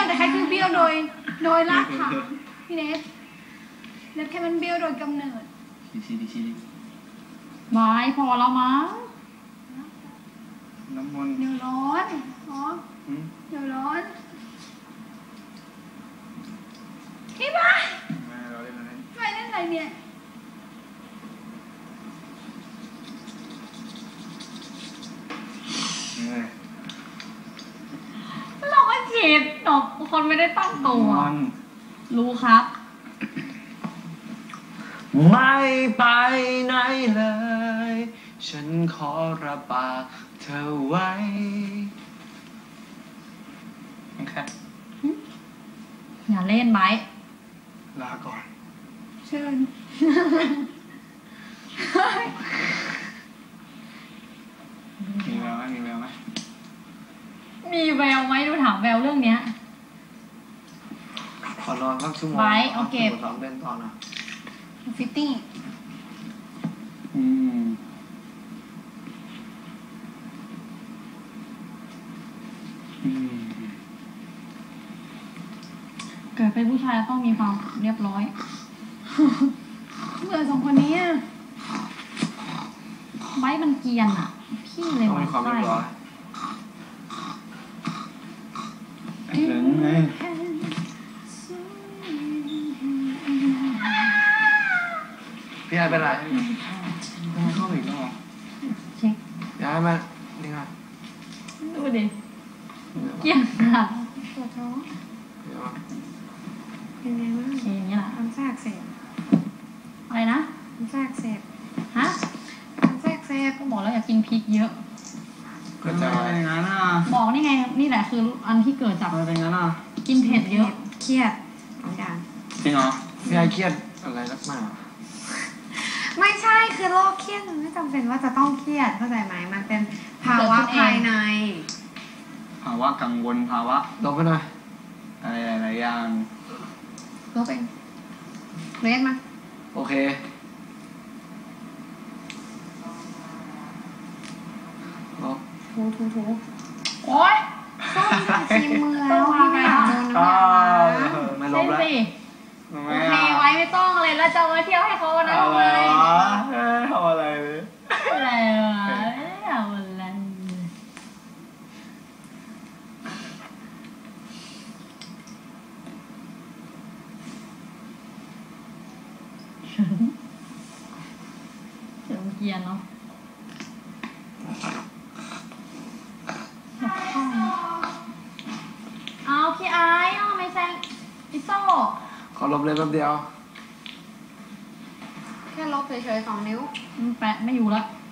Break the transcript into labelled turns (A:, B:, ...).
A: แต่แค่คือเบี้ยวโดยรากฐานพี่เนสแล้วแค่มันเบี้ยวโดยกำเนิด
B: ชี้
C: ไม่พอแล้วมั้ง
B: น้ำมัน
A: เดี๋ยวร้อนอ๋อเดี๋ยวร้อนพี่บ้า
B: ไม่เราเล่นอะไร
A: ไม่เล่นอะไรเนี่ย
C: เราก็ฉีดหนกคนไม่ได้ตั้งตัวรู้ครับ
B: ไม่ไปไหนเลยฉันขอระบากเธอไว้โอเค
C: อย่าเล่นไว้
B: ลาก่อน
A: เชิญ
B: มีแววไหม
C: มีแววไหมดูถามแววเรื่องเนี้ย
B: ขอนอนสักชั่วโมง
C: ไว้โอเค
B: ซ้อมเล่นต่อนะ
A: ฟิตติ้ง
C: เกิดเป็นผู้ชายต้องมีความเรียบร้อย
A: เบื่อสองคนนี้
C: ไว้มันเกียนอ่ะพี่เลย
B: ต้องมีความเรียบร้อยเหลืองไงพี่ไอ้เป็นไรต้องเข้าอีกแล้ว
C: เช็ค
B: ย้ายมานี่ไง
C: ดูดิเกียนค่ะ
A: ปวดท้อง
C: เป็นไงบ้างอย่างนี้แหละ
A: อันแทรกเสพ
C: อะไรนะ
A: อันแทรกเสพ
C: ฮะ
A: อันแทรกเสพ
C: ก็บอกแล้วอย่ากินพริกเยอะ
B: เกิดจากอะไรงั้นอ่ะ
C: บอกนี่ไงนี่แหละคืออันที่เกิดจาก
B: อะไรเป็นงั้นอ่ะ
C: กินเผ็ดเยอะ
A: เครียดทุกอย่าง
B: จริงเหรอพี่ไอ้เครียดอะไรนักหนา
A: ไม่ใช่คือโรคเครียดมันไม่จำเป็นว่าจะต้องเครียดเข้าใจไหมมันเป็นภาวะภายใน
B: ภาวะกังวลภาวะลบไปหน่อยอะไรหลายอย่าง
A: ลบเองเรสมา
B: โอเคลบ
A: ถูโอ๊ยต้องทีมือแล้วพี่ไม่โดนน้ำ
B: ไม่ลบแล้ว
C: โอเคไว้ไม่ต้องเลยแล้วจะมาเที่ยวให้เขานะทำไม
B: ทำอะไรเลย
C: อะไรวะไม่ได้ทำอะไรเสียงเกียนเนาะเอาพี่ไอ้เอาไม่แซงอิโซ่
B: ขอลบเลยแป๊บเดียว
A: แค่ลบเฉยๆ2 นิ้ว
C: แปะไม่อยู่แล้ว